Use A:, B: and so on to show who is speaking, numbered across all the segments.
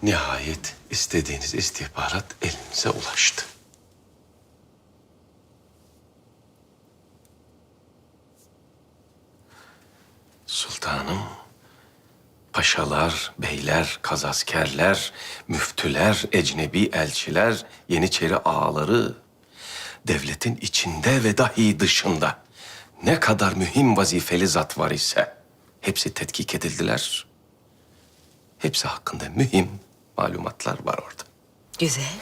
A: Nihayet istediğiniz istihbarat elinize ulaştı. Sultanım, paşalar, beyler, kazaskerler, müftüler, ecnebi elçiler, yeniçeri ağaları, devletin içinde ve dahi dışında ne kadar mühim vazifeli zat var ise hepsi tetkik edildiler. Hepsi hakkında mühim malumatlar var orada.
B: Güzel.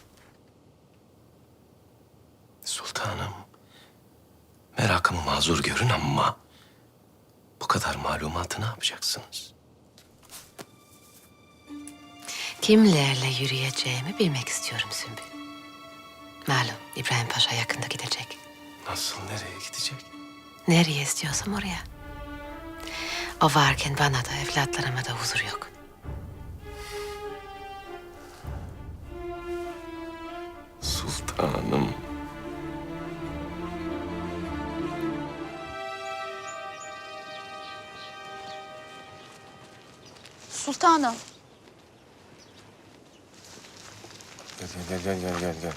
A: Sultanım, merakımı mazur görün ama bu kadar malumatı ne yapacaksınız?
B: Kimlerle yürüyeceğimi bilmek istiyorum Sümbül. Malum İbrahim Paşa yakında gidecek.
A: Nasıl, nereye gidecek?
B: Nereye istiyorsam oraya. O varken bana da evlatlarıma da huzur yok.
A: Sultanım.
C: Sultanım.
A: Gel.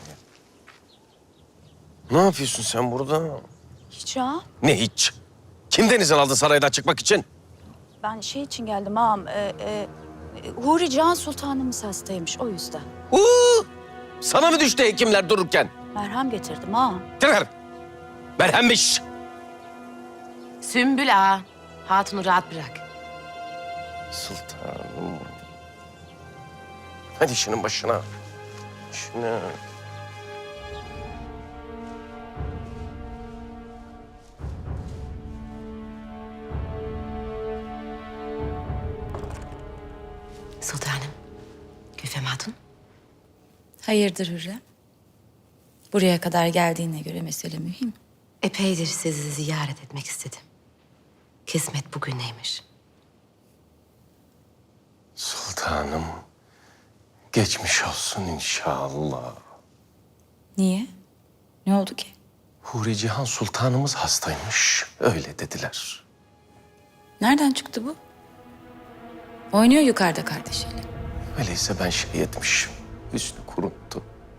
A: Ne yapıyorsun sen burada?
C: Hiç ha?
A: Ne hiç? Kimden izin aldın saraydan çıkmak için?
C: Ben şey için geldim ağam. Huri Can Sultanımız hastaymış o yüzden.
A: Sana mı düştü hekimler dururken?
C: Merhem getirdim ağam.
A: Tekrar. Merhemmiş.
B: Sümbül ağa, hatunu rahat bırak.
A: Sultanım. Hadi işinin başına. İşine.
B: Sultanım, Gülfem Hatun.
D: Hayırdır Hürrem? Buraya kadar geldiğine göre mesele mühim.
B: Epeydir sizi ziyaret etmek istedim. Kısmet bugün neymiş?
A: Sultanım. Geçmiş olsun inşallah.
D: Niye? Ne oldu ki?
A: Huri Cihan Sultanımız hastaymış. Öyle dediler.
D: Nereden çıktı bu? Oynuyor yukarıda kardeşiyle.
A: Öyleyse ben şey etmişim. Hüsnü kuruttu.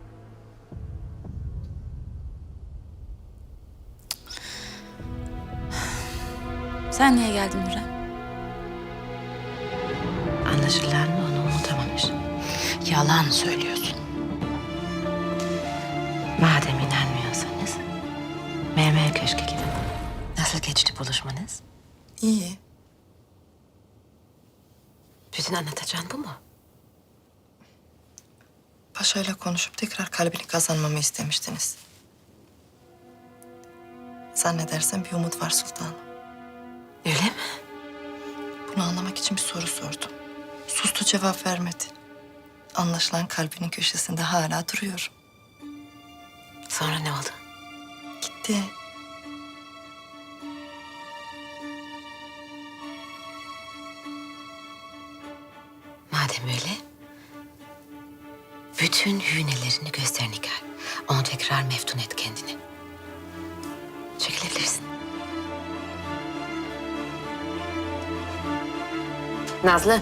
D: Sen niye geldin Hürrem?
B: Anlaşılan onu unutamamış. Yalan söylüyorsun. Madem inanmıyorsanız Mermer Köşk'e gidin. Nasıl geçti buluşmanız?
E: İyi.
B: Bütün anlatacağın bu mu?
E: Paşa'yla konuşup tekrar kalbini kazanmamı istemiştiniz. Zannedersem bir umut var sultanım.
B: Öyle mi?
E: Bunu anlamak için bir soru sordum. Sustu, cevap vermedi. Anlaşılan kalbinin köşesinde hala duruyorum.
B: Sonra ne oldu?
E: Gitti.
B: Madem öyle, bütün hünelerini göster Nigar. Onu tekrar meftun et kendini. Çekilebilirsin. Nazlı.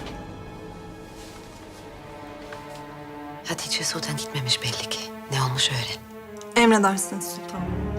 B: Hatice Sultan gitmemiş belli ki. Ne olmuş öğren.
F: Emredersiniz sultanım.